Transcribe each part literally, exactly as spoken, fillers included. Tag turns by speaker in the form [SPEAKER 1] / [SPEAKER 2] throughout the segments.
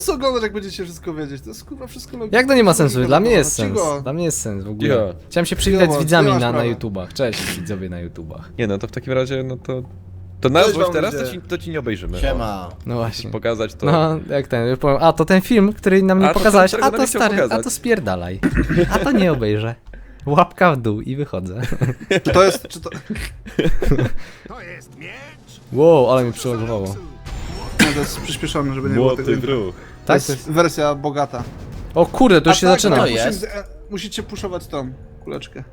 [SPEAKER 1] Co oglądać, jak będziecie wszystko wiedzieć? To jest kurwa wszystko logiczne.
[SPEAKER 2] Jak to nie ma sensu? Dla mnie jest
[SPEAKER 1] Cicho.
[SPEAKER 2] sens. Dla mnie jest sens w ogóle.
[SPEAKER 3] Ja.
[SPEAKER 2] Chciałem się przywitać
[SPEAKER 1] Cicho,
[SPEAKER 2] z widzami
[SPEAKER 1] nie masz
[SPEAKER 2] na, na
[SPEAKER 1] prawa.
[SPEAKER 2] YouTubach. Cześć widzowie na YouTubach.
[SPEAKER 3] Nie no, to w takim razie, no to... To na
[SPEAKER 1] Cześć
[SPEAKER 3] złość
[SPEAKER 1] wam
[SPEAKER 3] teraz
[SPEAKER 1] ludzie.
[SPEAKER 3] to ci, to ci nie obejrzymy.
[SPEAKER 4] Siema.
[SPEAKER 2] No właśnie.
[SPEAKER 3] Pokazać to...
[SPEAKER 2] No, jak ten, już powiem, a to ten film, który nam nie
[SPEAKER 3] A, to
[SPEAKER 2] pokazałeś,
[SPEAKER 3] ten, którego
[SPEAKER 2] a
[SPEAKER 3] nam
[SPEAKER 2] to
[SPEAKER 3] nie chciał
[SPEAKER 2] stary, a
[SPEAKER 3] pokazać.
[SPEAKER 2] to spierdalaj. A to nie obejrzę. Łapka w dół i wychodzę.
[SPEAKER 1] Czy to jest, czy to...
[SPEAKER 2] Wow, ale mi przylogowało.
[SPEAKER 1] Nie, to jest przyspieszone, żeby nie było
[SPEAKER 3] Młoty
[SPEAKER 1] tego.
[SPEAKER 3] druh.
[SPEAKER 1] To
[SPEAKER 2] Tak?
[SPEAKER 1] jest wersja bogata.
[SPEAKER 2] O kurde, to już
[SPEAKER 1] A
[SPEAKER 2] się
[SPEAKER 1] tak,
[SPEAKER 2] zaczyna.
[SPEAKER 1] no,
[SPEAKER 4] To
[SPEAKER 1] musimy-
[SPEAKER 4] jest?
[SPEAKER 1] e, Musicie puszować tą kuleczkę.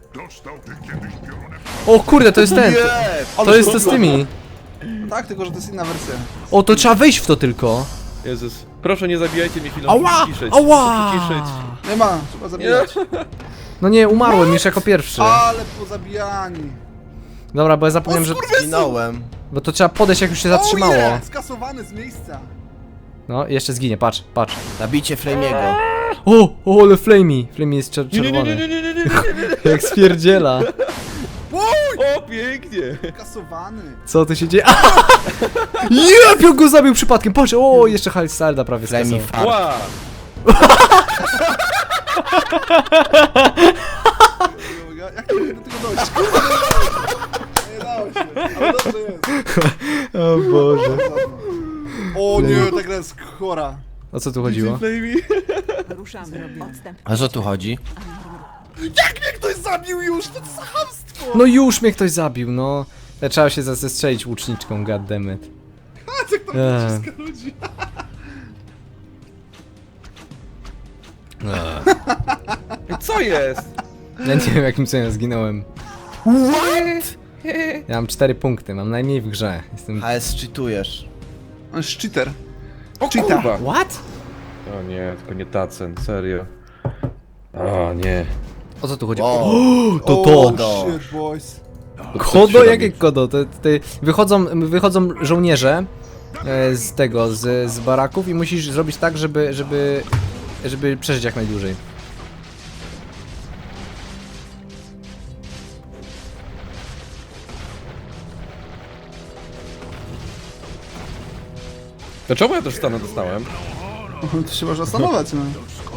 [SPEAKER 2] O kurde, to jest ten. To jest to z tymi.
[SPEAKER 1] No tak, tylko że to jest inna wersja.
[SPEAKER 2] O, to trzeba wejść w to tylko.
[SPEAKER 3] Jezus. Proszę nie zabijajcie mnie chwilą.
[SPEAKER 2] Ała!
[SPEAKER 3] Ciszyć.
[SPEAKER 2] Ała!
[SPEAKER 3] Ciszyć.
[SPEAKER 1] Nie ma, trzeba zabijać.
[SPEAKER 2] No nie, umarłem już jako pierwszy.
[SPEAKER 1] Ale pozabijani.
[SPEAKER 2] Dobra, bo ja zapomniałem, że...
[SPEAKER 4] Zginąłem.
[SPEAKER 2] Bo to trzeba podejść, jak już się zatrzymało.
[SPEAKER 1] Oh yeah, skasowany z miejsca.
[SPEAKER 2] No, jeszcze zginie, patrz, patrz.
[SPEAKER 4] Zabicie Flamiego.
[SPEAKER 2] O, o, ale Flamey. Flamey jest czer-
[SPEAKER 3] Nie, nie, nie, nie,
[SPEAKER 2] czerwony.
[SPEAKER 3] nie, nie, nie, nie, nie.
[SPEAKER 2] Jak spierdziela.
[SPEAKER 3] O, pięknie.
[SPEAKER 1] Skasowany.
[SPEAKER 2] Co tu się dzieje? Jep, jak go zabił przypadkiem, patrz, o, jeszcze Halsalda prawie
[SPEAKER 4] Flami
[SPEAKER 2] skasował.
[SPEAKER 4] fart.
[SPEAKER 3] Ła.
[SPEAKER 1] Jak to do tego dojść? Nie dało się, ale dobrze jest.
[SPEAKER 2] O Boże.
[SPEAKER 1] O nie, ta gra jest chora.
[SPEAKER 2] O co tu chodziło?
[SPEAKER 5] Ruszamy. Odstęp.
[SPEAKER 4] A co tu chodzi?
[SPEAKER 1] Jak mnie ktoś zabił już? To jest chamstwo!
[SPEAKER 2] No już mnie ktoś zabił, no. Ja trzeba się zastrzelić łuczniczką, goddammit.
[SPEAKER 1] A co to
[SPEAKER 2] Eee.
[SPEAKER 1] wszystko ludzi?
[SPEAKER 3] Co jest?
[SPEAKER 2] Ja nie wiem, jakim cudem zginąłem.
[SPEAKER 4] What?
[SPEAKER 2] Ja mam cztery punkty, mam najmniej w grze. Jestem...
[SPEAKER 4] H S cheatujesz.
[SPEAKER 1] On jest cheater.
[SPEAKER 3] O
[SPEAKER 1] Cheata.
[SPEAKER 3] kurwa.
[SPEAKER 2] What?
[SPEAKER 3] O nie, tylko nie Tacen, serio. O nie.
[SPEAKER 2] O co tu chodzi?
[SPEAKER 4] O,
[SPEAKER 2] To
[SPEAKER 1] Oh,
[SPEAKER 2] to!
[SPEAKER 1] shit, boys.
[SPEAKER 2] Kodo? Jakie kodo? Te, te, wychodzą, wychodzą żołnierze e, z tego, z, z baraków i musisz zrobić tak, żeby, żeby, żeby przeżyć jak najdłużej.
[SPEAKER 3] Dlaczego ja też stanę dostałem?
[SPEAKER 1] To się można zastanowić, no.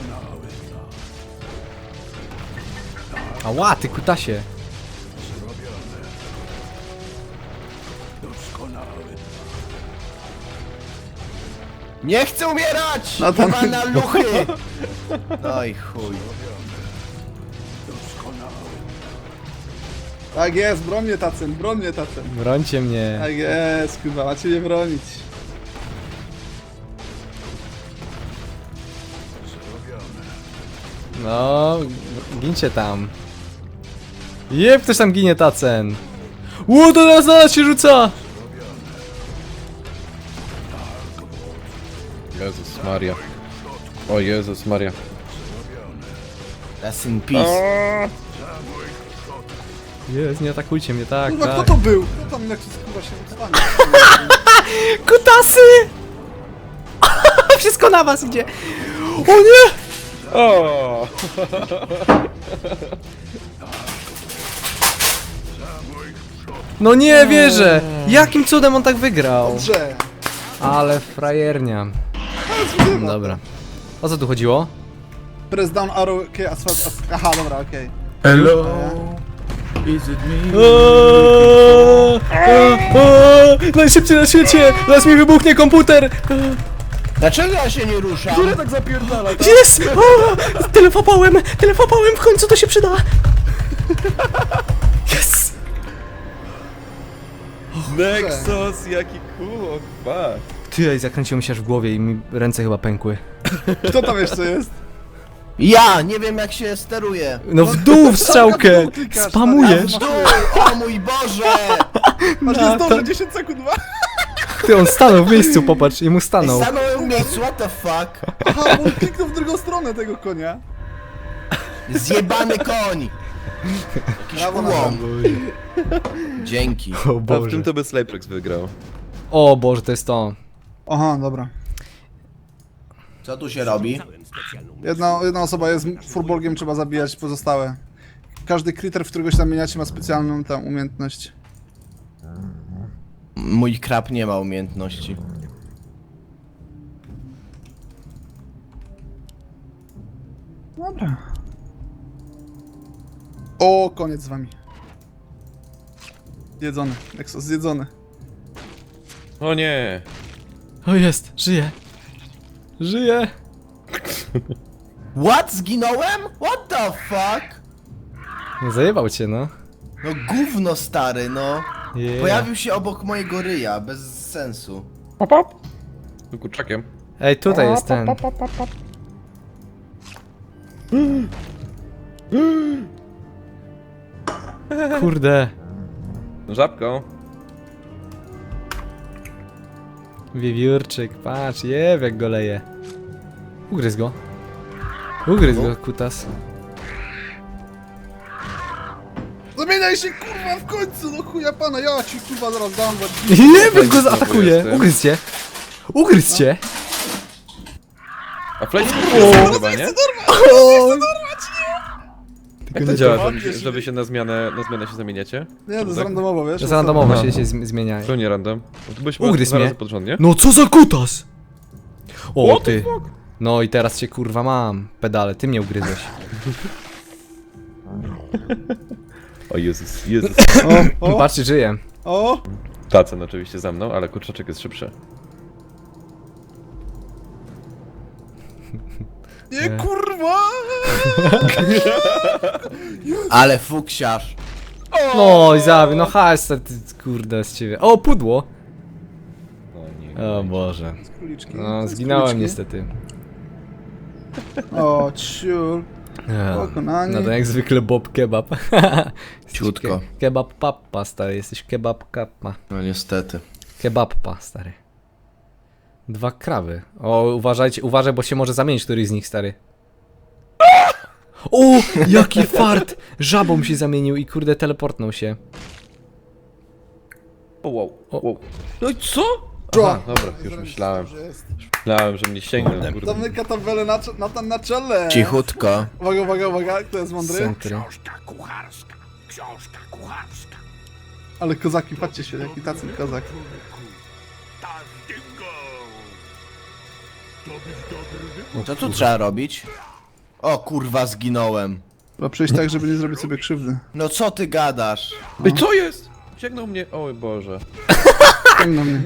[SPEAKER 2] Ała, ty kutasie.
[SPEAKER 4] nie chcę umierać!
[SPEAKER 1] No to-
[SPEAKER 4] No na luchy! No i chuj.
[SPEAKER 1] Tak jest, broń mnie tacen, broń mnie tacen.
[SPEAKER 2] Brońcie mnie.
[SPEAKER 1] Tak jest, kurwa, macie mnie bronić.
[SPEAKER 2] No, gincie tam. Jeb, ktoś tam ginie, Tacen. Ło, to nas, na nas się rzuca!
[SPEAKER 3] Jezus Maria. O Jezus Maria.
[SPEAKER 4] Rest in peace.
[SPEAKER 2] Jest, nie atakujcie mnie, tak,
[SPEAKER 1] Kurwa, kto
[SPEAKER 2] tak.
[SPEAKER 1] to był? Kto tam jak się kurwa się stanie?
[SPEAKER 2] Kutasy! Wszystko na was idzie. O nie!
[SPEAKER 3] O!
[SPEAKER 2] No nie wierzę! Jakim cudem on tak wygrał?
[SPEAKER 1] Dobrze.
[SPEAKER 2] Ale frajernia. Dobra. O co tu chodziło?
[SPEAKER 1] Press down arrow, okej, okay, asfalt, as... Aha, dobra, okej.
[SPEAKER 6] Hello, is it me?
[SPEAKER 2] Eee, eee, Najszybciej na świecie! Zaraz mi wybuchnie komputer!
[SPEAKER 4] Dlaczego ja się nie ruszam?
[SPEAKER 1] Tak zapierdala, tak?
[SPEAKER 2] Jest! O, telefopałem! Telefopałem! W końcu to się przyda! Yes!
[SPEAKER 3] Nexus, jaki cool, fuck.
[SPEAKER 2] Ty, ej, zakręciło mi się aż w głowie i mi ręce chyba pękły.
[SPEAKER 1] Kto tam jeszcze jest?
[SPEAKER 4] Ja nie wiem jak się steruje.
[SPEAKER 2] No w dół w strzałkę!
[SPEAKER 1] dół klikasz,
[SPEAKER 2] Spamujesz!
[SPEAKER 1] tak,
[SPEAKER 4] Dół, o mój Boże!
[SPEAKER 1] Masz nie zdążę, dziesięć sekund, dwa.
[SPEAKER 2] Ty, on stanął w miejscu, popatrz, i mu stanął.
[SPEAKER 4] Stanąłem w miejscu, what the fuck?
[SPEAKER 1] Aha, bo on kliknął w drugą stronę tego konia.
[SPEAKER 4] Zjebany koń! Jakiś
[SPEAKER 1] Brawo na
[SPEAKER 4] ułom. Dzięki.
[SPEAKER 2] O
[SPEAKER 3] A w
[SPEAKER 2] Boże.
[SPEAKER 3] tym to by Slayprex wygrał.
[SPEAKER 2] O Boże, to jest to.
[SPEAKER 1] Aha, dobra.
[SPEAKER 4] Co tu się robi?
[SPEAKER 1] Jedna, jedna osoba jest furbolgiem, trzeba zabijać pozostałe. Każdy critter, w którego się zamieniacie, ma specjalną tam umiejętność.
[SPEAKER 4] Mój krab nie ma umiejętności.
[SPEAKER 1] Dobra. O, koniec z wami. Zjedzony. Exos, zjedzony.
[SPEAKER 3] O nie!
[SPEAKER 2] O jest, żyje. Żyje.
[SPEAKER 4] What? Zginąłem? What the fuck?
[SPEAKER 2] No zajebał cię, no.
[SPEAKER 4] No gówno stary, no.
[SPEAKER 2] Yeah.
[SPEAKER 4] Pojawił się obok mojego ryja, bez sensu.
[SPEAKER 3] Pop, pop! Z kurczakiem.
[SPEAKER 2] Ej, tutaj jest ten. Kurde.
[SPEAKER 3] Żabką.
[SPEAKER 2] Wiewiórczyk, patrz, jeb jak go leje. Ugryz go. Ugryz go, kutas.
[SPEAKER 1] Zamieniaj się kurwa w końcu, no chuja pana, ja ci kurwa zaraz dam.
[SPEAKER 2] Jeb go zaatakuje.
[SPEAKER 3] jestem.
[SPEAKER 2] Ugryz cię. Ugryz cię.
[SPEAKER 3] A Flame jest chyba, nie? Jak to działa, że, że wy się na zmianę, na zmianę się zamieniacie?
[SPEAKER 1] Nie, to jest
[SPEAKER 3] Tak?
[SPEAKER 1] randomowo, wiesz?
[SPEAKER 2] To jest randomowo
[SPEAKER 3] No.
[SPEAKER 2] się, się zm- zmienia.
[SPEAKER 3] To nie random. To byśmy
[SPEAKER 2] Ugryz
[SPEAKER 3] dwa
[SPEAKER 2] mnie.
[SPEAKER 3] razy pod rząd, nie?
[SPEAKER 2] No co za kutas? O
[SPEAKER 3] What the
[SPEAKER 2] ty.
[SPEAKER 3] fuck?
[SPEAKER 2] No i teraz cię kurwa mam. Pedale, ty mnie ugryzłeś.
[SPEAKER 3] O Jezus, Jezus.
[SPEAKER 1] O, o,
[SPEAKER 2] Patrzcie, żyję.
[SPEAKER 1] o!
[SPEAKER 3] Tacen oczywiście za mną, ale kurczaczek jest szybszy.
[SPEAKER 1] Nie kurwa!
[SPEAKER 4] Ale fuksiarz.
[SPEAKER 2] No i zabił, no hajs, ty, kurde z ciebie. O, pudło.
[SPEAKER 3] O nie.
[SPEAKER 2] O Boże.
[SPEAKER 1] Z króliczki.
[SPEAKER 2] No,
[SPEAKER 1] z
[SPEAKER 2] zginąłem
[SPEAKER 1] króliczki.
[SPEAKER 2] niestety.
[SPEAKER 1] O, ciul.
[SPEAKER 2] Ja.
[SPEAKER 1] Pokonani.
[SPEAKER 2] No to jak zwykle Bob Kebab.
[SPEAKER 4] Ciutko.
[SPEAKER 2] Ke kebab pappa, stary, jesteś kebab kappa.
[SPEAKER 4] No niestety.
[SPEAKER 2] Kebabpa, stary. Dwa krawy. O, uważajcie, uważaj, bo się może zamienić któryś z nich, stary. O, jaki fart! Żabą się zamienił i kurde teleportnął się.
[SPEAKER 3] O wow,
[SPEAKER 2] O.
[SPEAKER 3] wow. No i co?
[SPEAKER 1] Bro.
[SPEAKER 3] Aha, dobra, już myślałem.
[SPEAKER 1] Dobrze jest.
[SPEAKER 3] Myślałem, że mnie sięgnął, kurde.
[SPEAKER 1] Zamyka tabelę na, cze- na, na czele.
[SPEAKER 4] Cichutko.
[SPEAKER 1] Uwaga, uwaga, uwaga, kto jest mądry?
[SPEAKER 2] Centry.
[SPEAKER 1] Ale kozaki, patrzcie się, jaki tacy kozak.
[SPEAKER 4] Co tu trzeba robić? O kurwa, zginąłem.
[SPEAKER 1] Trzeba przejść tak, żeby nie zrobić sobie krzywdy.
[SPEAKER 4] No co ty gadasz?
[SPEAKER 3] Ej, co jest? Sięgnął mnie, oj Boże.
[SPEAKER 1] Ciągną mnie.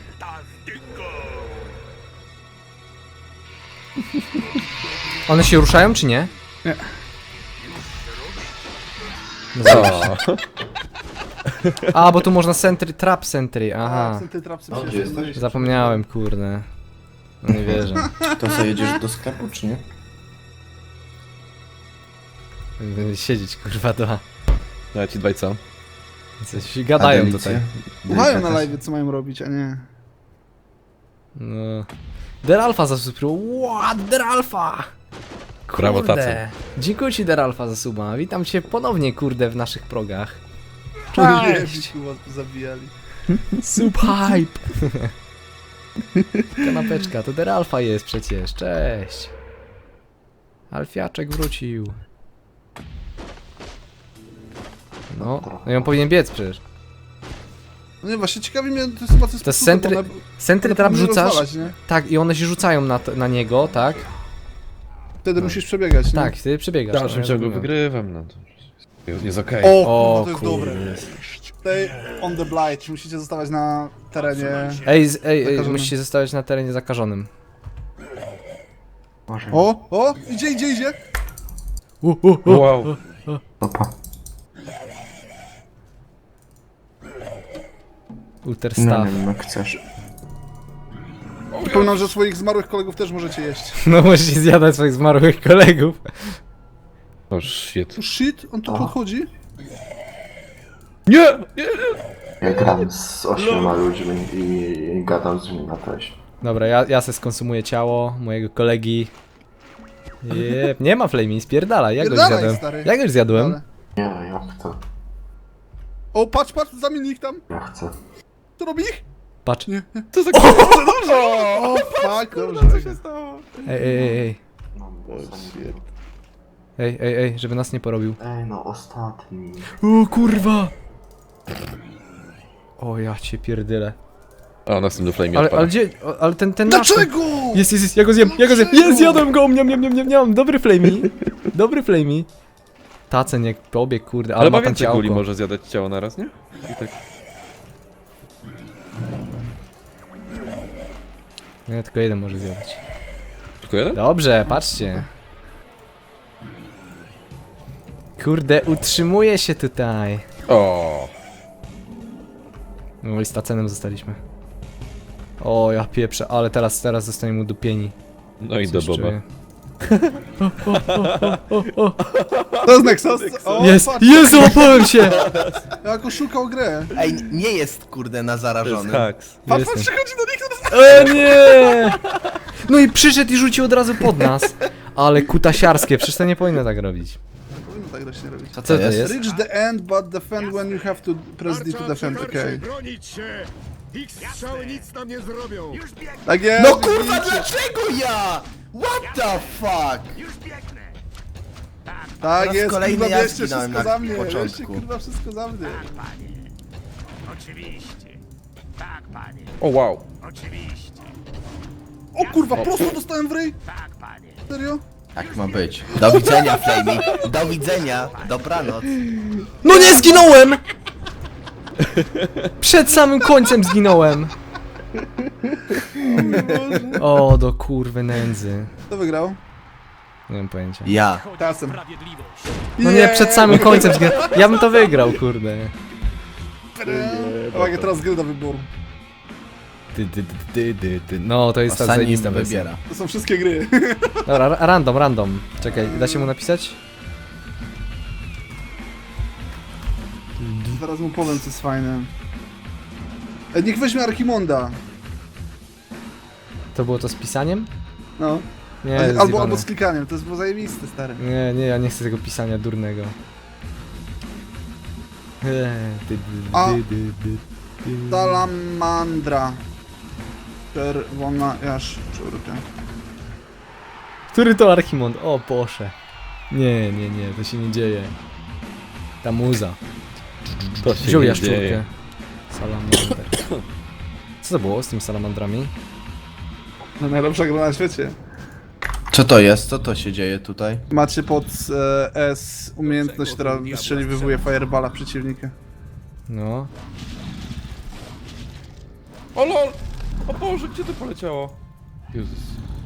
[SPEAKER 2] One się ruszają, czy nie?
[SPEAKER 1] Nie.
[SPEAKER 2] No zobacz. A, bo tu można sentry, trap sentry,
[SPEAKER 1] A,
[SPEAKER 2] aha.
[SPEAKER 1] są te trapsy
[SPEAKER 6] O, gdzie
[SPEAKER 1] przecież.
[SPEAKER 6] jesteś?
[SPEAKER 2] Zapomniałem, kurde. No nie wierzę.
[SPEAKER 6] To co, jedziesz do sklepu, czy nie?
[SPEAKER 2] Będę siedzieć, kurwa, dwa.
[SPEAKER 3] No ja ci dwaj co?
[SPEAKER 2] Coś gadają
[SPEAKER 6] Adelicję?
[SPEAKER 2] tutaj.
[SPEAKER 1] Słuchają na
[SPEAKER 6] Delikatес.
[SPEAKER 1] live, co mają robić, a nie.
[SPEAKER 2] No. Deralfa zasubskrybował. What? Deralfa!
[SPEAKER 3] Brawo,
[SPEAKER 2] Kurde.
[SPEAKER 3] Tacen.
[SPEAKER 2] Dziękuję ci, Deralfa, za suba. Witam cię ponownie, kurde, w naszych progach.
[SPEAKER 1] Cześć!
[SPEAKER 2] Cześć!
[SPEAKER 1] Zabijali.
[SPEAKER 2] Sub hype! Kanapeczka, to Deralfa jest przecież. Cześć! Alfiaczek wrócił. No, no i on powinien biec przecież.
[SPEAKER 1] No nie, właśnie ciekawi mnie, to jest chyba coś
[SPEAKER 2] To jest centry, centry trap rzucasz.
[SPEAKER 1] Nie?
[SPEAKER 2] Tak, i one się rzucają na, to- na niego, tak?
[SPEAKER 1] Wtedy musisz przebiegać, nie?
[SPEAKER 2] Tak, ty przebiegasz.
[SPEAKER 3] W dalszym
[SPEAKER 2] no, ja
[SPEAKER 3] ciągu
[SPEAKER 2] zrobiłem.
[SPEAKER 3] wygrywam, no to jest, jest okej.
[SPEAKER 1] O,
[SPEAKER 2] O,
[SPEAKER 1] to jest
[SPEAKER 2] kurde.
[SPEAKER 1] dobre. Stay on the blight, musicie zostawać na terenie.
[SPEAKER 2] Ej, z, ej, ej,
[SPEAKER 1] Zakażonym.
[SPEAKER 2] musicie zostawać na terenie zakażonym.
[SPEAKER 1] O, o, idzie, idzie, idzie.
[SPEAKER 2] U, u, u.
[SPEAKER 3] Wow.
[SPEAKER 6] Opa.
[SPEAKER 2] Ulter
[SPEAKER 6] No
[SPEAKER 2] staff.
[SPEAKER 6] nie wiem, jak chcesz.
[SPEAKER 1] Przypominam, że swoich zmarłych kolegów też możecie jeść.
[SPEAKER 2] No musisz zjadać swoich zmarłych kolegów.
[SPEAKER 3] O shit.
[SPEAKER 1] Oh shit, on tu
[SPEAKER 6] O.
[SPEAKER 1] podchodzi?
[SPEAKER 3] Nie! Nie!
[SPEAKER 6] Ja gram z ośmioma ludźmi i gadam z nimi na teś.
[SPEAKER 2] Dobra, ja, ja se skonsumuję ciało mojego kolegi. Jep, nie ma flamey, spierdala, ja go już
[SPEAKER 1] Spierdalaj,
[SPEAKER 2] zjadłem.
[SPEAKER 1] stary.
[SPEAKER 2] Ja go już zjadłem.
[SPEAKER 1] Ale...
[SPEAKER 6] Nie, ja chcę.
[SPEAKER 1] O, patrz, patrz, zamień ich tam.
[SPEAKER 6] Ja chcę.
[SPEAKER 1] Co robi ich?
[SPEAKER 2] Patrz. Ej,
[SPEAKER 3] Co za
[SPEAKER 1] O, fuck, dobrze.
[SPEAKER 3] Co się stało?
[SPEAKER 2] ej, ej, ej.
[SPEAKER 6] No, ostatni.
[SPEAKER 2] Ej, ej, ej, żeby nas nie porobił.
[SPEAKER 6] Ej, no ostatni.
[SPEAKER 2] O kurwa! O, ja cię pierdylę.
[SPEAKER 3] O, następny flame
[SPEAKER 2] Ale,
[SPEAKER 3] odpada.
[SPEAKER 2] ale gdzie, o, ale ten, ten nasz...
[SPEAKER 1] Dlaczego?
[SPEAKER 2] Jest, jest, jest, ja go zjem, ja go zjem,
[SPEAKER 1] Dlaczego?
[SPEAKER 2] jest, zjadłem go, miam, miam, miam, miam, miam, dobry flamey, dobry flamey. Tacen jak pobieg, kurde, ale,
[SPEAKER 3] Ale
[SPEAKER 2] ma
[SPEAKER 3] ma
[SPEAKER 2] tam
[SPEAKER 3] więcej kuli
[SPEAKER 2] ciałko.
[SPEAKER 3] może zjadać ciało naraz, nie? I tak.
[SPEAKER 2] Nie, tylko jeden może zjadać.
[SPEAKER 3] Tylko jeden?
[SPEAKER 2] Dobrze, patrzcie. Kurde, utrzymuje się tutaj.
[SPEAKER 3] O.
[SPEAKER 2] No i z Tacenem zostaliśmy. O, ja pieprzę, ale teraz, teraz zostaniemy udupieni.
[SPEAKER 3] No i do
[SPEAKER 2] Coś
[SPEAKER 3] Boba.
[SPEAKER 2] czuję.
[SPEAKER 1] To jest Nexus? O,
[SPEAKER 2] Jest,
[SPEAKER 1] patrz,
[SPEAKER 2] jest, załapałem się!
[SPEAKER 1] jak oszukał grę.
[SPEAKER 4] Ej, nie jest kurde na
[SPEAKER 3] To jest
[SPEAKER 4] zarażony.
[SPEAKER 3] haks.
[SPEAKER 1] Patrz,
[SPEAKER 2] Jestem.
[SPEAKER 1] patrz, przychodzi do nich, to jest...
[SPEAKER 2] E, nie! No i przyszedł i rzucił od razu pod nas. Ale kutasiarskie, przecież to nie powinno tak robić.
[SPEAKER 1] Powinno tak właśnie robić.
[SPEAKER 4] Co
[SPEAKER 2] Co
[SPEAKER 4] to
[SPEAKER 2] to
[SPEAKER 4] jest?
[SPEAKER 2] jest?
[SPEAKER 1] Reach the end, but defend when you have to press D to defend, okej.
[SPEAKER 7] Bronić się! Ich strzały nic nam nie zrobią!
[SPEAKER 1] Tak jest!
[SPEAKER 4] No kurwa,
[SPEAKER 1] widzicie?
[SPEAKER 4] dlaczego ja? What the fuck?
[SPEAKER 1] Tak
[SPEAKER 4] raz
[SPEAKER 1] jest,
[SPEAKER 4] kolejny
[SPEAKER 1] kurwa,
[SPEAKER 4] ja
[SPEAKER 1] bierzcie
[SPEAKER 4] zginąłem
[SPEAKER 1] wszystko
[SPEAKER 4] na
[SPEAKER 1] za mnie, bierzcie
[SPEAKER 4] początku.
[SPEAKER 1] kurwa wszystko za mnie.
[SPEAKER 3] O wow.
[SPEAKER 1] O kurwa, prosto dostałem w ryj! Serio?
[SPEAKER 4] Tak ma być. Do widzenia, Flamey. Do widzenia. Dobranoc.
[SPEAKER 2] No nie zginąłem! Przed samym końcem zginąłem. O, do kurwy nędzy.
[SPEAKER 1] Kto wygrał?
[SPEAKER 2] Nie mam pojęcia.
[SPEAKER 4] Ja.
[SPEAKER 1] Czasem.
[SPEAKER 2] No nie, przed samym końcem zginąłem. Ja bym to wygrał, kurde.
[SPEAKER 1] Uwaga, teraz gry do wyboru.
[SPEAKER 2] Ty, ty, ty, ty, ty, ty. No, to jest ta
[SPEAKER 4] Ostatni
[SPEAKER 2] zajebista wersja.
[SPEAKER 4] wybiera.
[SPEAKER 1] To są wszystkie gry.
[SPEAKER 2] Dobra, ra- random, random. Czekaj, da się mu napisać?
[SPEAKER 1] Zaraz mu powiem, co jest fajne. E, niech weźmie Archimonda.
[SPEAKER 2] To było to z pisaniem?
[SPEAKER 1] No.
[SPEAKER 2] Nie,
[SPEAKER 1] albo,
[SPEAKER 2] zjebane.
[SPEAKER 1] albo z klikaniem, to jest było zajebiste, stary.
[SPEAKER 2] Nie, nie, ja nie chcę tego pisania durnego. Eee, ty, ty,
[SPEAKER 1] A.
[SPEAKER 2] ty, ty, ty, ty.
[SPEAKER 1] Salamandra. Czerwona jaszczurka.
[SPEAKER 2] Który to Archimond? O, Boże. Nie, nie, nie, to się nie dzieje. Ta muza.
[SPEAKER 3] To się
[SPEAKER 2] Wziął
[SPEAKER 3] nie
[SPEAKER 2] jaszczurkę.
[SPEAKER 3] dzieje.
[SPEAKER 2] Salamander. Co to było z tymi salamandrami?
[SPEAKER 1] No, najlepsza gra na świecie.
[SPEAKER 4] Co to jest? Co to się dzieje tutaj?
[SPEAKER 1] Macie pod e, S umiejętność, która wystrzeliwuje fireballa przeciwnika.
[SPEAKER 2] No.
[SPEAKER 3] O lol! O Boże, gdzie to poleciało? Jezus.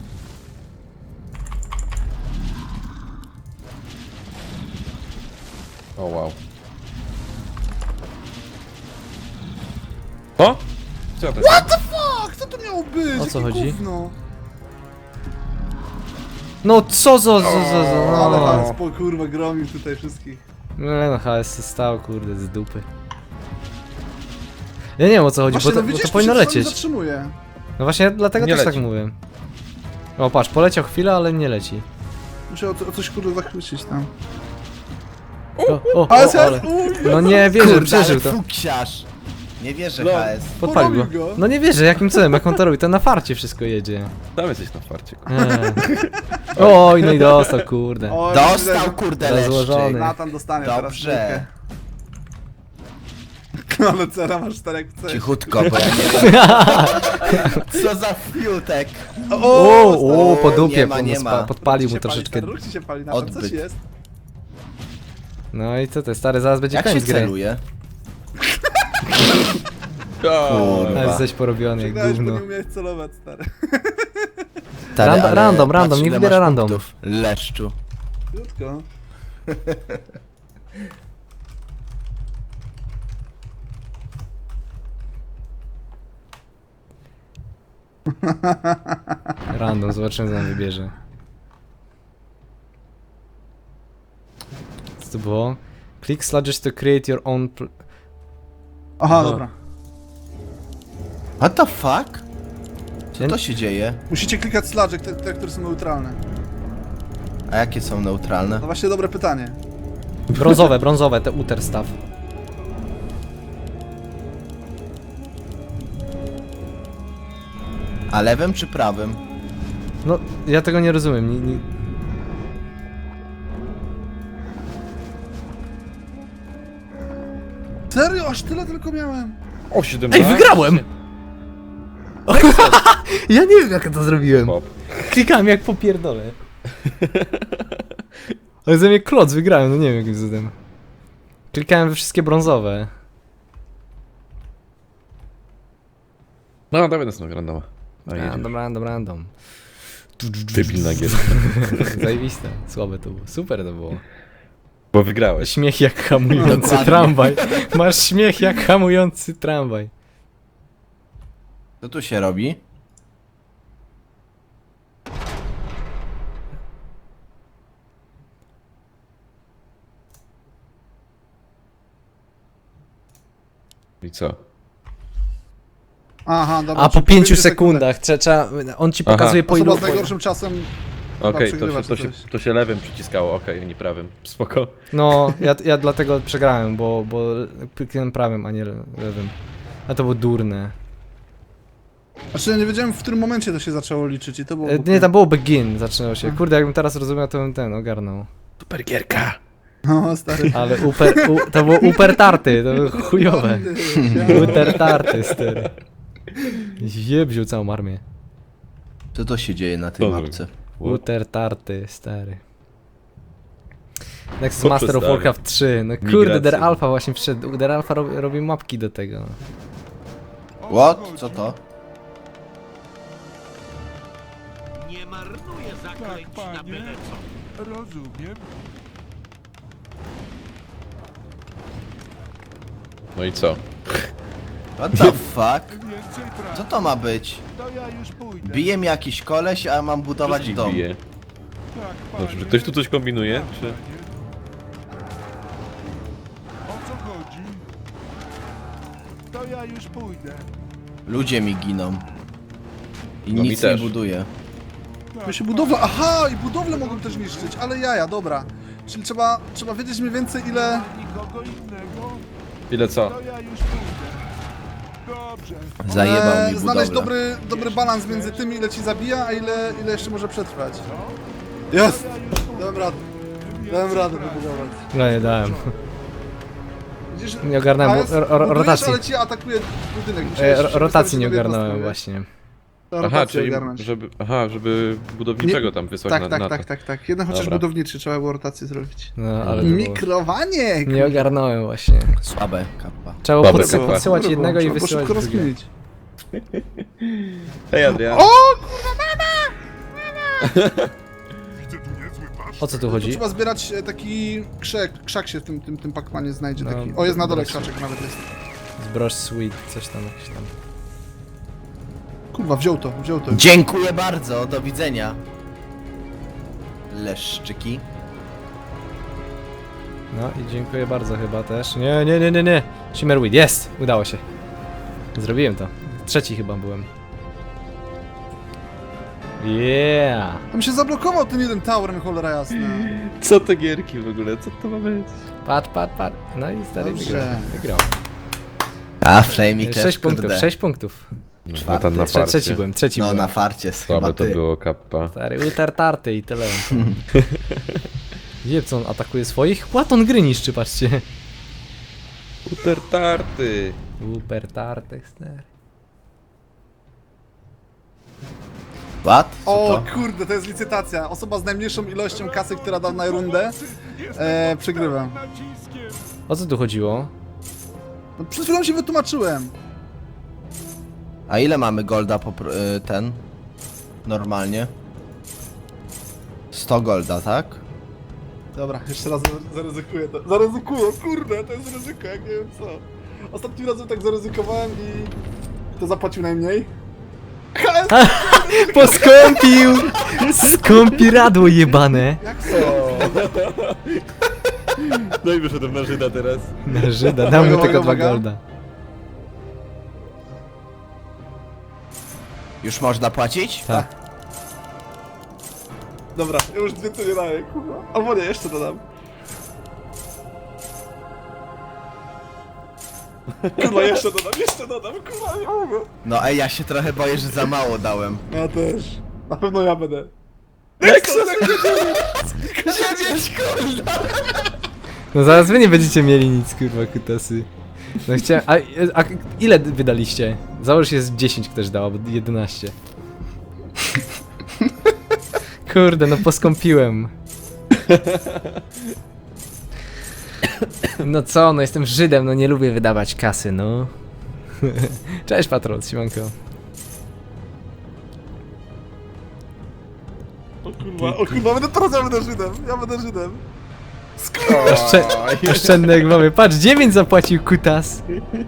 [SPEAKER 3] O wow. O? Co to
[SPEAKER 1] What the fuck? Co to miało być?
[SPEAKER 2] O co
[SPEAKER 1] Jakie
[SPEAKER 2] chodzi?
[SPEAKER 1] Gówno?
[SPEAKER 2] No co za, za, za, za,
[SPEAKER 1] No, ale
[SPEAKER 2] no.
[SPEAKER 1] Hans po kurwa gromił tutaj wszystkich.
[SPEAKER 2] Nie no, H S się stał, kurde, z dupy. Ja nie wiem o co chodzi,
[SPEAKER 1] Właśnie,
[SPEAKER 2] bo to,
[SPEAKER 1] no
[SPEAKER 2] bo
[SPEAKER 1] widzisz,
[SPEAKER 2] to powinno
[SPEAKER 1] się czasami
[SPEAKER 2] lecieć.
[SPEAKER 1] zatrzymuje.
[SPEAKER 2] No właśnie, dlatego
[SPEAKER 3] Nie
[SPEAKER 2] też
[SPEAKER 3] leci.
[SPEAKER 2] tak mówię. O, patrz, poleciał chwilę, ale nie leci.
[SPEAKER 1] Muszę o, o coś kurde zachwycić tam.
[SPEAKER 2] O, o,
[SPEAKER 1] A S
[SPEAKER 2] o, ale...
[SPEAKER 1] F? Uj,
[SPEAKER 2] No nie wierzę,
[SPEAKER 4] Kurde,
[SPEAKER 2] przeżył
[SPEAKER 4] ale
[SPEAKER 2] to.
[SPEAKER 4] fuksiarz. Nie wierzę,
[SPEAKER 1] No.
[SPEAKER 4] H S.
[SPEAKER 2] Podpalił go.
[SPEAKER 1] porobił go.
[SPEAKER 2] No nie wierzę, jakim cudem, jak on to robi, to na farcie wszystko jedzie.
[SPEAKER 3] Tam jesteś na farcie.
[SPEAKER 2] Eee. Oj, no i dostał, kurde.
[SPEAKER 1] O,
[SPEAKER 4] Dostał, kurde,
[SPEAKER 2] Rozłożony.
[SPEAKER 4] leszczyk.
[SPEAKER 1] Natan dostanie teraz
[SPEAKER 4] Dobrze.
[SPEAKER 1] trójkę. Ale cera masz czterech w C.
[SPEAKER 4] Cichutko, bo ja nie wiem. Co za fiutek.
[SPEAKER 2] O, o, po
[SPEAKER 4] Nie
[SPEAKER 2] dupie,
[SPEAKER 4] ma,
[SPEAKER 2] po-
[SPEAKER 4] nie
[SPEAKER 2] spa-
[SPEAKER 4] ma.
[SPEAKER 2] podpalił
[SPEAKER 1] Róg
[SPEAKER 2] mu
[SPEAKER 1] ci się
[SPEAKER 2] troszeczkę.
[SPEAKER 1] Pali, stary, róg ci się pali, Natan, coś
[SPEAKER 4] Odbyt.
[SPEAKER 1] jest.
[SPEAKER 2] No i co to, stary, zaraz będzie
[SPEAKER 4] Jak się
[SPEAKER 2] koniec gry.
[SPEAKER 4] celuje?
[SPEAKER 3] O,
[SPEAKER 4] Kurwa.
[SPEAKER 2] Ale jesteś porobiony jak
[SPEAKER 1] Przegrałeś, bo
[SPEAKER 2] gówno.
[SPEAKER 1] nie umiałeś celować, stary.
[SPEAKER 4] Stary,
[SPEAKER 2] Random,
[SPEAKER 4] ale
[SPEAKER 2] random, random,
[SPEAKER 4] patrz,
[SPEAKER 2] nie
[SPEAKER 4] ile
[SPEAKER 2] wybiera
[SPEAKER 4] masz
[SPEAKER 2] random.
[SPEAKER 4] punktów. Leszczu.
[SPEAKER 1] Krótko.
[SPEAKER 2] Random, zobaczymy co nam wybierze. Co to było? Click sludges to create your own... pl-
[SPEAKER 1] Aha, dobra.
[SPEAKER 4] What the fuck? Co
[SPEAKER 2] Ja-
[SPEAKER 4] to się dzieje?
[SPEAKER 1] Musicie klikać sludge, te, te, które są neutralne.
[SPEAKER 4] A jakie są neutralne?
[SPEAKER 1] No właśnie dobre pytanie.
[SPEAKER 2] Brązowe, brązowe, te uter staw.
[SPEAKER 4] A lewym czy prawym?
[SPEAKER 2] No, ja tego nie rozumiem. Nie, nie...
[SPEAKER 1] Serio? Aż tyle tylko miałem.
[SPEAKER 3] o siedemnaście.
[SPEAKER 2] Ej, wygrałem! Ja nie wiem, jak ja to zrobiłem.
[SPEAKER 3] Pop.
[SPEAKER 2] Klikałem jak popierdolę. Ale ze mnie kloc wygrałem, no nie wiem jakim cudem. Klikałem we wszystkie brązowe.
[SPEAKER 3] No, dawaj następnego randoma. A, jedziesz.
[SPEAKER 2] Random, random, random.
[SPEAKER 3] Debilna gier.
[SPEAKER 2] Zajebiste, słabe to było. Super to było.
[SPEAKER 3] Bo wygrałeś.
[SPEAKER 2] Śmiech jak hamujący
[SPEAKER 4] Dokładnie.
[SPEAKER 2] tramwaj. Masz śmiech jak hamujący tramwaj.
[SPEAKER 4] Co tu się robi?
[SPEAKER 3] I co?
[SPEAKER 1] Aha, dobra.
[SPEAKER 2] A po
[SPEAKER 1] czyli
[SPEAKER 2] pięciu
[SPEAKER 1] pięciu
[SPEAKER 2] sekundach trze- trzeba, on ci
[SPEAKER 3] Aha.
[SPEAKER 2] pokazuje po
[SPEAKER 1] Osoba
[SPEAKER 2] ilu...
[SPEAKER 1] z najgorszym czasem.
[SPEAKER 3] Okej,
[SPEAKER 1] przegrywa
[SPEAKER 3] to, się, to,
[SPEAKER 1] czy
[SPEAKER 3] się,
[SPEAKER 1] coś.
[SPEAKER 3] to się lewym przyciskało, okej, nie prawym. Spoko.
[SPEAKER 2] No, ja, ja dlatego przegrałem, bo, bo kliknąłem prawym, a nie le- lewym. A to było durne.
[SPEAKER 1] Znaczy ja nie wiedziałem, w którym momencie to się zaczęło liczyć i to było...
[SPEAKER 2] E, nie, tam było begin, zaczynało się. Kurde, jakbym teraz rozumiał, to bym ten ogarnął.
[SPEAKER 3] Super gierka.
[SPEAKER 1] No, stary.
[SPEAKER 2] Ale uper, u, to było uper tarty, to było chujowe. Uper tarty, stary. Jebził całą armię.
[SPEAKER 4] Co to się dzieje na tej
[SPEAKER 3] Co
[SPEAKER 4] mapce?
[SPEAKER 2] Uter tarty, stary. Next
[SPEAKER 3] Co
[SPEAKER 2] Master of
[SPEAKER 3] przedstawię?
[SPEAKER 2] Warcraft trzy, no kurde,
[SPEAKER 3] Migracje.
[SPEAKER 2] Der Alpha właśnie wszedł. Der Alpha robi, robi mapki do tego.
[SPEAKER 4] What? Co to?
[SPEAKER 8] Nie marnuję zaklęć na byle co.
[SPEAKER 7] Rozumiem.
[SPEAKER 3] No i co?
[SPEAKER 4] What the fuck?
[SPEAKER 7] Więcej pracy.
[SPEAKER 4] Co to ma być?
[SPEAKER 7] To ja już pójdę.
[SPEAKER 4] Bije mnie jakiś koleś, a mam budować
[SPEAKER 3] Wszystkich
[SPEAKER 4] dom.
[SPEAKER 3] bije.
[SPEAKER 7] Tak,
[SPEAKER 3] No,
[SPEAKER 7] panie.
[SPEAKER 3] czy ktoś tu coś kombinuje?
[SPEAKER 7] Tak,
[SPEAKER 3] Czy...
[SPEAKER 7] panie. O co chodzi? To ja już pójdę.
[SPEAKER 4] Ludzie mi giną. I
[SPEAKER 3] No mi
[SPEAKER 4] nic nie
[SPEAKER 3] też.
[SPEAKER 4] buduje.
[SPEAKER 1] My się budowla... Aha, i budowle mogą też niszczyć, ale jaja, dobra. Czyli trzeba, trzeba wiedzieć mniej więcej ile...
[SPEAKER 7] Nikogo innego?
[SPEAKER 3] Ile co?
[SPEAKER 7] To ja już pójdę. Dobrze.
[SPEAKER 4] Zajebał
[SPEAKER 1] e,
[SPEAKER 4] mi
[SPEAKER 1] znaleźć
[SPEAKER 4] budowlę.
[SPEAKER 1] dobry, dobry balans między tym, ile ci zabija, a ile, ile jeszcze może przetrwać. Jest! Dałem radę. Dałem radę wybudować.
[SPEAKER 2] No nie dałem.
[SPEAKER 1] Widzisz,
[SPEAKER 2] Nie ogarnąłem
[SPEAKER 1] A jest-
[SPEAKER 2] ro- ro-
[SPEAKER 1] budujesz,
[SPEAKER 2] rotacji.
[SPEAKER 1] ale ci atakuje budynek. Musiałeś
[SPEAKER 2] E,
[SPEAKER 1] się
[SPEAKER 2] ro- rotacji
[SPEAKER 1] wystawić
[SPEAKER 2] nie
[SPEAKER 1] sobie
[SPEAKER 2] ogarnąłem
[SPEAKER 1] jednostkę,
[SPEAKER 2] właśnie.
[SPEAKER 1] To
[SPEAKER 3] Aha,
[SPEAKER 1] rotację
[SPEAKER 3] czyli
[SPEAKER 1] ogarnąć.
[SPEAKER 3] żeby, aha, żeby budowniczego tam wysłać
[SPEAKER 1] Tak,
[SPEAKER 3] na,
[SPEAKER 1] tak,
[SPEAKER 3] na
[SPEAKER 1] tak,
[SPEAKER 3] to.
[SPEAKER 1] tak, tak. Jeden chociaż
[SPEAKER 3] Dobra.
[SPEAKER 1] budowniczy trzeba było rotację zrobić.
[SPEAKER 2] No, ale to było...
[SPEAKER 1] Mikrowanie!
[SPEAKER 2] Nie ogarnąłem właśnie.
[SPEAKER 4] Słabe kappa.
[SPEAKER 2] Trzeba było
[SPEAKER 3] Dobre
[SPEAKER 2] podsyła-
[SPEAKER 3] kapła.
[SPEAKER 2] podsyłać
[SPEAKER 1] Dobre
[SPEAKER 2] jednego
[SPEAKER 1] było,
[SPEAKER 2] i
[SPEAKER 1] trzeba było
[SPEAKER 2] wysyłać
[SPEAKER 1] szybko
[SPEAKER 2] drugiego.
[SPEAKER 1] rozkminić.
[SPEAKER 3] Hej Adrian.
[SPEAKER 1] O!
[SPEAKER 2] O co tu
[SPEAKER 1] Tu
[SPEAKER 2] chodzi?
[SPEAKER 1] trzeba zbierać e, taki krzak, krzak się w tym, tym, tym pakmanie znajdzie
[SPEAKER 2] No,
[SPEAKER 1] taki. O, jest na dole
[SPEAKER 2] dobra.
[SPEAKER 1] krzaczek nawet jest.
[SPEAKER 2] Zbroż sweet, coś tam, jakiś tam.
[SPEAKER 1] Kurwa, wziął to, wziął to.
[SPEAKER 4] Dziękuję bardzo, do widzenia. Leszczyki.
[SPEAKER 2] No i dziękuję bardzo chyba też. Nie, nie, nie, nie, nie. Shimmerweed, jest! Udało się. Zrobiłem to. Trzeci chyba byłem. Yeah!
[SPEAKER 1] Tam się zablokował ten jeden tower, no cholera jasna.
[SPEAKER 3] Co te gierki w ogóle? Co to ma być?
[SPEAKER 2] Patrz, patrz, patrz. No i stary
[SPEAKER 1] Dobrze.
[SPEAKER 2] wygrał. Wygrał.
[SPEAKER 4] A, Flamey też,
[SPEAKER 2] Sześć punktów,
[SPEAKER 4] kurde.
[SPEAKER 2] sześć punktów.
[SPEAKER 3] No tam na
[SPEAKER 2] Trze-
[SPEAKER 3] farcie.
[SPEAKER 2] trzeci byłem, trzeci
[SPEAKER 4] No
[SPEAKER 2] byłem.
[SPEAKER 4] na farcie chyba
[SPEAKER 3] Słabe to
[SPEAKER 4] ty.
[SPEAKER 3] było kappa.
[SPEAKER 2] Stary, utartarty i tyle. Wie co on atakuje swoich? Płaton gry niszczy, patrzcie.
[SPEAKER 3] Utertarty.
[SPEAKER 2] Upertarty, stary.
[SPEAKER 4] What? Co
[SPEAKER 1] O
[SPEAKER 4] to?
[SPEAKER 1] kurde, to jest licytacja. Osoba z najmniejszą ilością kasy, która da na rundę, e, przegrywa.
[SPEAKER 7] Naciskiem.
[SPEAKER 2] O co tu chodziło?
[SPEAKER 1] No, przed chwilą się wytłumaczyłem.
[SPEAKER 4] A ile mamy golda po pr- y, ten? Normalnie? sto golda, tak?
[SPEAKER 1] Dobra, jeszcze raz zaryzykuję to. Zaryzykuję, kurde, to jest ryzyko, jak nie wiem co. Ostatnim razem tak zaryzykowałem i... Kto zapłacił najmniej?
[SPEAKER 2] Poskąpił! Skąpiradło jebane!
[SPEAKER 1] Jak to?
[SPEAKER 3] No i wyszedłem na Żyda teraz.
[SPEAKER 2] Na Żyda, dam mu
[SPEAKER 1] Uwaga,
[SPEAKER 2] tylko dwa
[SPEAKER 1] uwaga.
[SPEAKER 2] golda.
[SPEAKER 4] Już można płacić?
[SPEAKER 2] Tak.
[SPEAKER 1] Dobra, ja już więcej nie daję, kurwa. Albo nie, jeszcze dodam. Kurwa, jeszcze dodam, jeszcze dodam, kurwa, nie mogę.
[SPEAKER 4] No ej, ja się trochę boję, że za mało dałem.
[SPEAKER 1] Ja też. Na pewno ja będę.
[SPEAKER 2] No zaraz wy nie będziecie mieli nic, kurwa, kutasy. No chciałem... A, a ile wydaliście? Załóż jest dziesięć ktoś dał, albo jedenaście. Kurde, no poskąpiłem. No co, no jestem Żydem, no nie lubię wydawać kasy, no. Cześć Patrol, siemanko.
[SPEAKER 1] O kurwa, o kurwa, będę teraz ja będę Żydem, ja będę Żydem.
[SPEAKER 2] Oszczę oszczędny jak mamy. Patrz, dziewięć zapłacił kutas.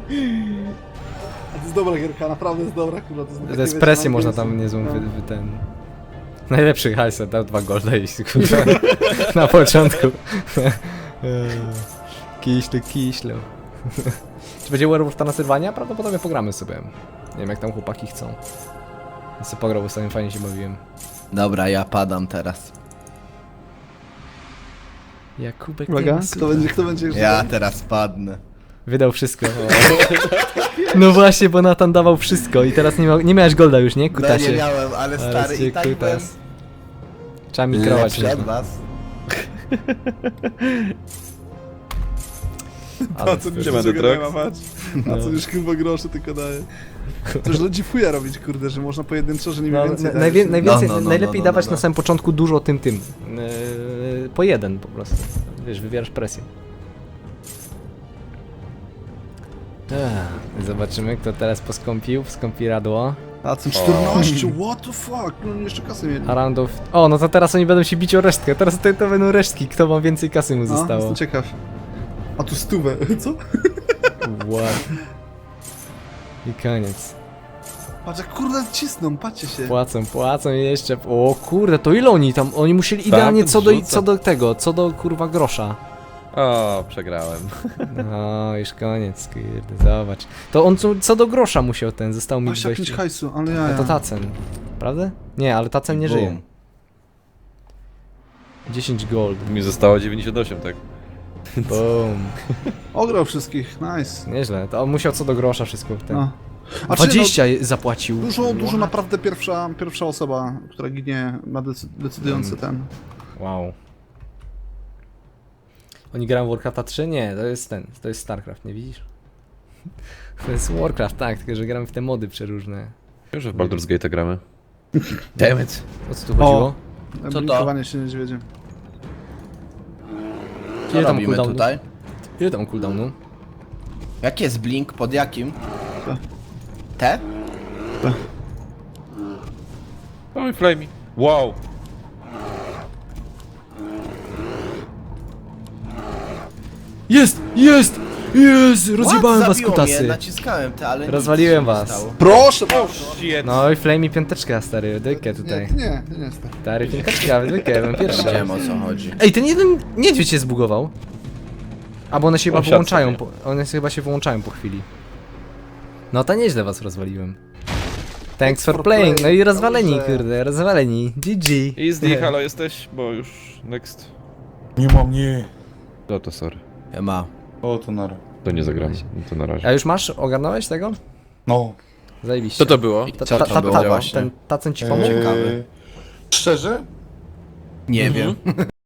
[SPEAKER 1] A to jest dobra gierka, naprawdę jest dobra, kurwa. To jest,
[SPEAKER 2] To jest presję można tam niezłą wy, wy ten... Najlepszy hajs, dał dwa golda i kurwa, na początku. Kiślu, kiślu. Czy będzie Werewolf na Sylwania? Prawdopodobnie pogramy sobie. Nie wiem jak tam chłopaki chcą. Ja sobie pograł, bo sobie fajnie się bawiłem.
[SPEAKER 4] Dobra, ja padam teraz.
[SPEAKER 2] Jakubek
[SPEAKER 1] Uwaga,
[SPEAKER 2] nie ma
[SPEAKER 1] kto
[SPEAKER 2] słowa.
[SPEAKER 1] będzie, kto będzie Żydem?
[SPEAKER 4] Ja teraz padnę.
[SPEAKER 2] Wydał wszystko. No właśnie, bo Nathan dawał wszystko i teraz nie, ma, nie miałeś golda już, nie?
[SPEAKER 4] No
[SPEAKER 2] Kutasie.
[SPEAKER 4] nie miałem, ale
[SPEAKER 2] Ale
[SPEAKER 4] stary
[SPEAKER 2] cię
[SPEAKER 4] i tak byłem
[SPEAKER 2] kutas. Trzeba mikrować.
[SPEAKER 4] lepszy od
[SPEAKER 2] można.
[SPEAKER 4] was.
[SPEAKER 2] Ale
[SPEAKER 1] A co już
[SPEAKER 3] Siema,
[SPEAKER 1] niczego
[SPEAKER 3] Detrox.
[SPEAKER 1] nie ma, patrz. A co już kurwa groszy tylko daje. Coś ludzi fuja robić, kurde, że można pojedynczo, że nie
[SPEAKER 2] No,
[SPEAKER 1] mniej więcej
[SPEAKER 2] na- najwię,
[SPEAKER 1] dać.
[SPEAKER 2] najwięcej,
[SPEAKER 4] No, no, no,
[SPEAKER 2] najlepiej
[SPEAKER 4] no, no,
[SPEAKER 2] dawać
[SPEAKER 4] no.
[SPEAKER 2] na samym początku dużo tym tym. Yy, po jeden po prostu. Wiesz, wywierasz presję. Ech, zobaczymy kto teraz poskąpił, skąpi radło.
[SPEAKER 1] A co czternaście, what the fuck? No jeszcze kasy mieli.
[SPEAKER 2] A roundów... O, no to teraz oni będą się bić o resztkę. Teraz to, to będą resztki, kto ma więcej kasy mu
[SPEAKER 1] No,
[SPEAKER 2] zostało.
[SPEAKER 1] jestem ciekaw. A tu stówę, co?
[SPEAKER 2] What? I koniec.
[SPEAKER 1] Patrz jak kurde cisną, patrzcie się.
[SPEAKER 2] Płacą, płacą i jeszcze... O kurde, to ile oni tam... Oni musieli idealnie co do,
[SPEAKER 3] rzuca.
[SPEAKER 2] co do tego, co do kurwa grosza.
[SPEAKER 3] O, przegrałem.
[SPEAKER 2] No, już koniec, kurde, zobacz. To on co, co do grosza musiał ten, został mi
[SPEAKER 1] Patrz jak pięć
[SPEAKER 2] dwadzieścia.
[SPEAKER 1] hajsu, ale ja,
[SPEAKER 2] A
[SPEAKER 1] ja.
[SPEAKER 2] to Tacen, prawda? Nie, ale Tacen nie
[SPEAKER 4] Boom.
[SPEAKER 2] żyje. dziesięć gold,
[SPEAKER 3] Mi zostało dziewięćdziesiąt osiem, tak?
[SPEAKER 2] boom.
[SPEAKER 1] Ograł wszystkich, nice.
[SPEAKER 2] Nieźle, to on musiał co do grosza wszystko w ten.
[SPEAKER 1] No. A czy
[SPEAKER 2] dwadzieścia zapłacił.
[SPEAKER 1] No, dużo, dużo naprawdę pierwsza, pierwsza osoba, która ginie, ma decy- decydujący ten.
[SPEAKER 2] Wow. Oni grają w Warcrafta trzy? Nie, to jest ten, to jest Starcraft, nie widzisz? To jest Warcraft, tak, tylko że gramy w te mody przeróżne.
[SPEAKER 3] Już w Baldur's Gate gramy. Damn it.
[SPEAKER 2] O co tu chodziło?
[SPEAKER 4] to?
[SPEAKER 1] Blinkowanie się niedźwiedzie.
[SPEAKER 4] Co
[SPEAKER 2] Ile tam
[SPEAKER 4] robimy
[SPEAKER 2] cooldownu?
[SPEAKER 4] tutaj?
[SPEAKER 2] Ile tam cooldownu?
[SPEAKER 4] Jaki jest blink? Pod jakim?
[SPEAKER 1] Te.
[SPEAKER 4] Te?
[SPEAKER 3] Oj, flamey. Wow.
[SPEAKER 2] Jest! Jest! Jest! Rozjebałem
[SPEAKER 4] What?
[SPEAKER 2] was
[SPEAKER 4] Zabiło mnie,
[SPEAKER 2] kutasy!
[SPEAKER 4] naciskałem te, ale nic
[SPEAKER 2] Rozwaliłem
[SPEAKER 4] się nie
[SPEAKER 2] was.
[SPEAKER 4] stało.
[SPEAKER 1] Proszę!
[SPEAKER 3] Shit.
[SPEAKER 2] No i Flamey piąteczka, stary, dykę tutaj.
[SPEAKER 1] Nie, nie, nie, nie stary.
[SPEAKER 2] Stary, piąteczka, dykę, byłem pierwszy.
[SPEAKER 4] Wiem o co chodzi.
[SPEAKER 2] Ej, ten jeden niedźwiedź się zbugował. A bo one się chyba
[SPEAKER 3] O, siad
[SPEAKER 2] wyłączają,
[SPEAKER 3] sobie.
[SPEAKER 2] po, one się chyba się wyłączają po chwili. No to nieźle was rozwaliłem. Thanks for
[SPEAKER 1] for
[SPEAKER 2] playing, no i
[SPEAKER 1] playing,
[SPEAKER 2] rozwaleni,
[SPEAKER 1] dobrze.
[SPEAKER 2] kurde, rozwaleni. G G.
[SPEAKER 3] Easy, halo jesteś? Bo już next.
[SPEAKER 7] Nie mam, nie.
[SPEAKER 3] No to sorry.
[SPEAKER 4] Ja ma.
[SPEAKER 7] O, to nara.
[SPEAKER 3] To nie zagramy. No to na razie.
[SPEAKER 2] A już masz? Ogarnąłeś tego?
[SPEAKER 7] No.
[SPEAKER 2] Zajebiście.
[SPEAKER 3] Co to było?
[SPEAKER 2] Ta,
[SPEAKER 4] Co
[SPEAKER 2] ta,
[SPEAKER 4] to
[SPEAKER 2] ta,
[SPEAKER 4] było
[SPEAKER 2] ta,
[SPEAKER 4] właśnie?
[SPEAKER 2] ten tacen ci pomógł?
[SPEAKER 4] Ciekawe.
[SPEAKER 7] Eee, szczerze?
[SPEAKER 4] Nie
[SPEAKER 3] Mhm.
[SPEAKER 4] wiem.